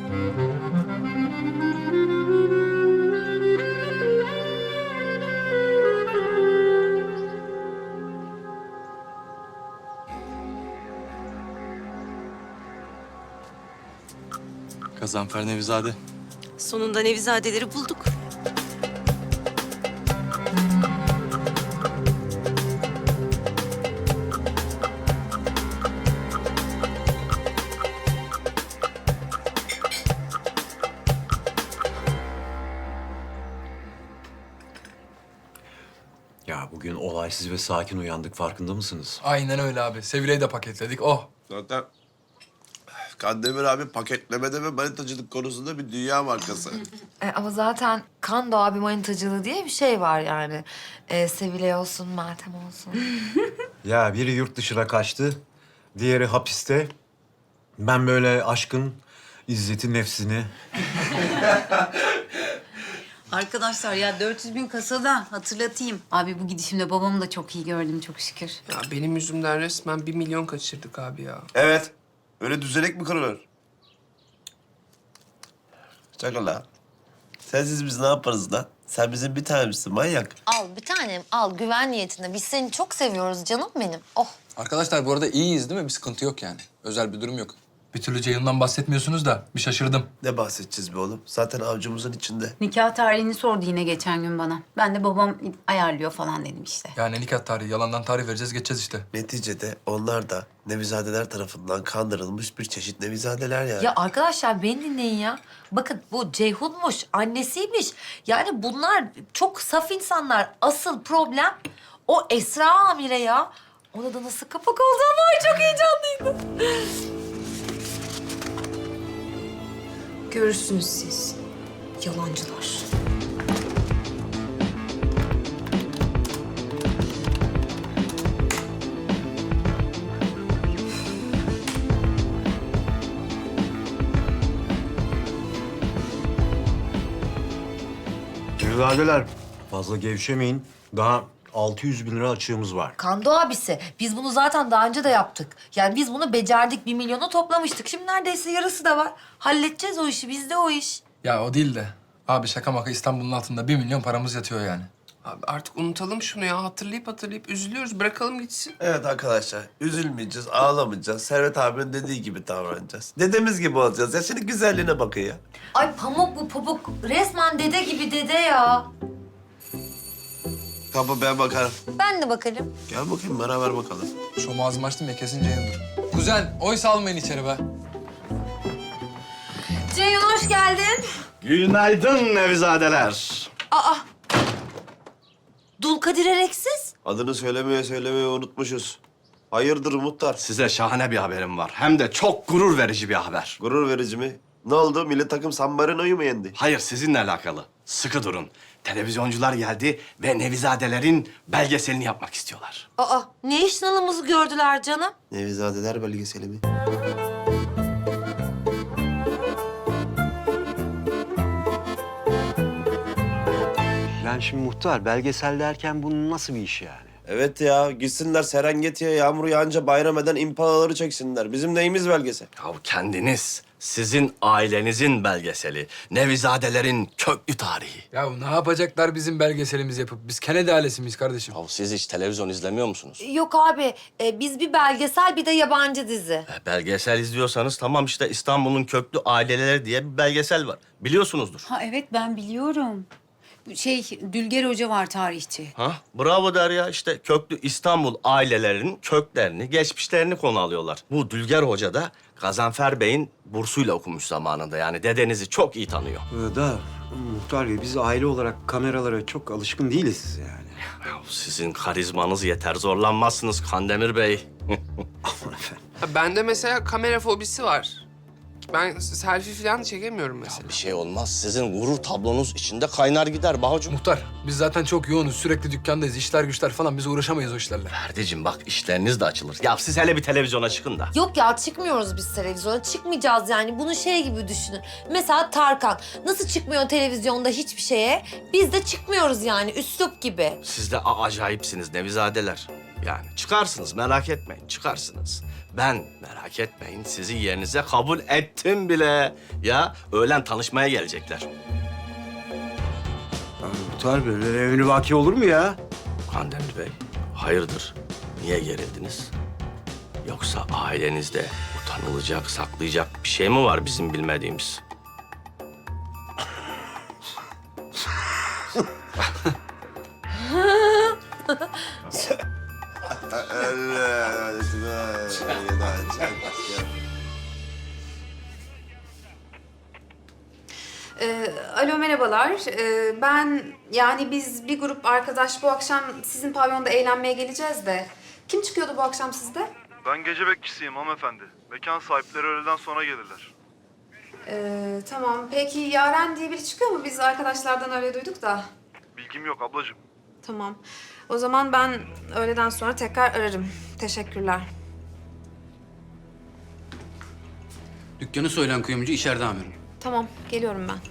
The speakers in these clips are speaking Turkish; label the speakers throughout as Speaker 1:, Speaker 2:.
Speaker 1: Gazanfer Nevizade.
Speaker 2: Sonunda Nevizadeleri bulduk.
Speaker 3: Ya bugün olaysız ve sakin uyandık, farkında mısınız?
Speaker 4: Aynen öyle abi. Sevile'yi de paketledik. Oh.
Speaker 5: Zaten Kandemir abi paketlemede ve manitacılık konusunda bir dünya markası.
Speaker 6: Ama zaten Kando abi manitacılığı diye bir şey var yani. Sevilay olsun, Meltem olsun.
Speaker 3: Ya biri yurt dışına kaçtı, diğeri hapiste. Ben böyle aşkın izzeti nefsini...
Speaker 7: Arkadaşlar ya 400 bin kasada hatırlatayım. Abi bu gidişimde babamı da çok iyi gördüm çok şükür.
Speaker 8: Ya benim yüzümden resmen 1 milyon kaçırdık abi ya.
Speaker 5: Evet. Öyle düzenek mi kırılır? Çakal la. Sensiz biz ne yaparız lan? Sen bizim bir tanemizsin manyak.
Speaker 6: Al bir tanem, al güven niyetine. Biz seni çok seviyoruz canım benim. Oh.
Speaker 4: Arkadaşlar bu arada iyiyiz değil mi? Bir sıkıntı yok yani. Özel bir durum yok. Bir türlü Ceyhun'dan bahsetmiyorsunuz da bir şaşırdım.
Speaker 5: Ne bahsedeceğiz be oğlum? Zaten avcumuzun içinde.
Speaker 7: Nikah tarihini sordu yine geçen gün bana. Ben de babam ayarlıyor falan dedim işte.
Speaker 4: Yani nikah tarihi, yalandan tarih vereceğiz, geçeceğiz işte.
Speaker 5: Neticede onlar da Nevizadeler tarafından kandırılmış bir çeşit Nevizadeler yani.
Speaker 6: Ya arkadaşlar beni dinleyin ya. Bakın bu Ceyhun'muş, annesiymiş. Yani bunlar çok saf insanlar. Asıl problem o Esra Amire ya. Ona da nasıl kapak oldu ama ay çok heyecanlıydı.
Speaker 2: Görürsünüz siz. Yalancılar.
Speaker 3: Nevizadeler, fazla gevşemeyin. Daha 600 bin lira açığımız var.
Speaker 6: Kando abisi, biz bunu zaten daha önce de yaptık. Yani biz bunu becerdik, 1 milyonu toplamıştık. Şimdi neredeyse yarısı da var. Halledeceğiz o işi, bizde o iş.
Speaker 4: Ya o değil de. Abi şaka maka İstanbul'un altında 1 milyon paramız yatıyor yani.
Speaker 8: Abi artık unutalım şunu ya. Hatırlayıp üzülüyoruz. Bırakalım gitsin.
Speaker 5: Evet arkadaşlar, üzülmeyeceğiz, ağlamayacağız. Servet abinin dediği gibi davranacağız. Dedemiz gibi olacağız. Ya senin güzelliğine bakın ya.
Speaker 6: Ay pamuk bu pamuk. Resmen dede gibi dede ya.
Speaker 5: Kapı ben bakarım.
Speaker 6: Ben de bakarım.
Speaker 5: Gel bakayım beraber bakalım.
Speaker 4: Şu ağzımı açtım ya kesin Ceyhun'dur. Kuzen, oy salmayın içeri be.
Speaker 6: Ceyhun hoş geldin.
Speaker 9: Günaydın Nevizadeler.
Speaker 6: Aa. Dulkadir Ereksiz.
Speaker 5: Adını söylemeye unutmuşuz. Hayırdır muhtar?
Speaker 9: Size şahane bir haberim var. Hem de çok gurur verici bir haber.
Speaker 5: Gurur verici mi? Ne oldu? Milli takım San Marino'yu mu yendi?
Speaker 9: Hayır, sizinle alakalı. Sıkı durun. Televizyoncular geldi ve Nevizadelerin belgeselini yapmak istiyorlar.
Speaker 6: Aa ne iş nalımızı gördüler canım.
Speaker 5: Nevizadeler belgeseli mi?
Speaker 3: Yani şimdi muhtar, belgesel derken bunun nasıl bir iş yani?
Speaker 5: Evet ya, gitsinler Serengeti'ye yağmur yağınca bayram eden impalaları çeksinler. Bizim neyimiz belgesel?
Speaker 9: Ya kendiniz, sizin ailenizin belgeseli. Nevizadelerin köklü tarihi.
Speaker 4: Ya ne yapacaklar bizim belgeselimizi yapıp? Biz Kennedy ailesi miyiz kardeşim?
Speaker 9: Ya siz hiç televizyon izlemiyor musunuz?
Speaker 6: Yok abi biz bir belgesel bir de yabancı dizi.
Speaker 9: Belgesel izliyorsanız tamam işte İstanbul'un köklü aileleri diye bir belgesel var. Biliyorsunuzdur.
Speaker 7: Ha evet ben biliyorum. Dülger Hoca var tarihçi.
Speaker 9: Ha? Bravo Derya. İşte köklü İstanbul ailelerinin köklerini, geçmişlerini konu alıyorlar. Bu Dülger Hoca da Gazanfer Bey'in bursuyla okumuş zamanında. Yani dedenizi çok iyi tanıyor.
Speaker 3: Muhtar Bey, biz aile olarak kameralara çok alışkın değiliz yani.
Speaker 9: Ya sizin karizmanız yeter. Zorlanmazsınız Kandemir Bey.
Speaker 3: Aman efendim.
Speaker 8: Ha, bende mesela kamera fobisi var. Ben selfie falan çekemiyorum mesela.
Speaker 9: Bir şey olmaz. Sizin gurur tablonuz içinde kaynar gider Bahucuğum.
Speaker 4: Muhtar, biz zaten çok yoğunuz. Sürekli dükkandayız. İşler güçler falan. Biz uğraşamayız o işlerle.
Speaker 9: Ferdiciğim bak işleriniz de açılır. Ya siz hele bir televizyona çıkın da.
Speaker 6: Yok ya çıkmıyoruz biz televizyona. Çıkmayacağız yani. Bunu şey gibi düşünün. Mesela Tarkan. Nasıl çıkmıyor televizyonda hiçbir şeye? Biz de çıkmıyoruz yani. Üslup gibi.
Speaker 9: Siz de acayipsiniz Nevizadeler. Yani çıkarsınız, merak etmeyin, çıkarsınız. Ben merak etmeyin, sizi yerinize kabul ettim bile. Ya öğlen tanışmaya gelecekler.
Speaker 3: Muhtar böyle evli vaki olur mu ya?
Speaker 9: Kandemir Bey, hayırdır? Niye gerildiniz? Yoksa ailenizde utanılacak, saklayacak bir şey mi var bizim bilmediğimiz?
Speaker 1: Alo merhabalar. Biz bir grup arkadaş bu akşam sizin pavyonda eğlenmeye geleceğiz de. Kim çıkıyordu bu akşam sizde?
Speaker 10: Ben gece bekçisiyim hanımefendi. Mekan sahipleri öğleden sonra gelirler.
Speaker 1: Tamam. Peki Yaren diye biri çıkıyor mu? Biz arkadaşlardan öyle duyduk da.
Speaker 10: Bilgim yok ablacığım.
Speaker 1: Tamam. O zaman ben öğleden sonra tekrar ararım. Teşekkürler.
Speaker 11: Dükkanı soyulan kuyumcu içeride amirim.
Speaker 1: Tamam. Geliyorum ben.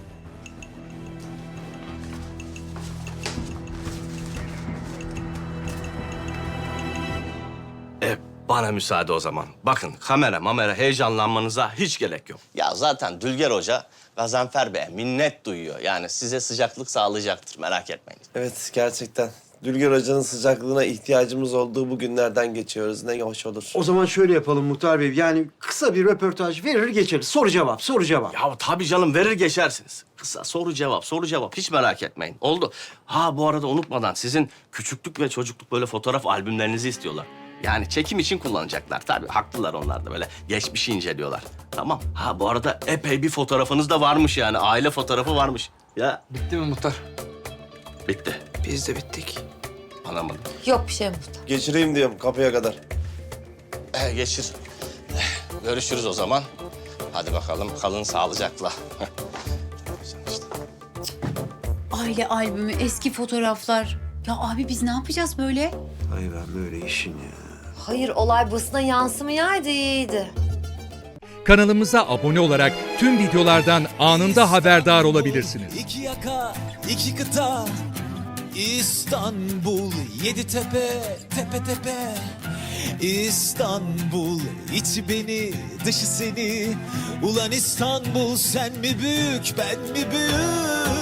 Speaker 9: Bana müsaade o zaman. Bakın kamera heyecanlanmanıza hiç gerek yok. Ya zaten Dülger Hoca Gazanfer Bey'e minnet duyuyor. Yani size sıcaklık sağlayacaktır, merak etmeyin.
Speaker 5: Evet gerçekten. Dülger Hoca'nın sıcaklığına ihtiyacımız olduğu bu günlerden geçiyoruz. Ne hoş olur.
Speaker 3: O zaman şöyle yapalım Muhtar Bey. Yani kısa bir röportaj verir geçeriz. Soru cevap, soru cevap.
Speaker 9: Ya tabii canım, verir geçersiniz. Kısa soru cevap, hiç merak etmeyin. Oldu. Ha bu arada unutmadan sizin küçüklük ve çocukluk böyle fotoğraf albümlerinizi istiyorlar. Yani çekim için kullanacaklar. Tabii haklılar onlar da, böyle geçmişi inceliyorlar. Tamam. Ha bu arada epey bir fotoğrafınız da varmış yani. Aile fotoğrafı varmış. Ya
Speaker 4: Bitti mi muhtar?
Speaker 9: bitti.
Speaker 8: Biz de bittik.
Speaker 9: Anlamadım.
Speaker 6: Yok bir şey muhtar.
Speaker 5: Geçireyim diyorum kapıya kadar.
Speaker 9: Geçir. Görüşürüz o zaman. Hadi bakalım, kalın sağlıcakla. İşte.
Speaker 7: Aile albümü, eski fotoğraflar. Ya abi biz ne yapacağız böyle?
Speaker 3: Ay ben böyle işin ya.
Speaker 6: Hayır, olay basına yansımayaydı iyiydi.
Speaker 12: Kanalımıza abone olarak tüm videolardan anında haberdar olabilirsiniz.
Speaker 13: İki yaka, iki kıta, İstanbul, yedi tepe, tepe tepe. İstanbul, içi beni, dışı seni. Ulan İstanbul, sen mi büyük, ben mi büyük?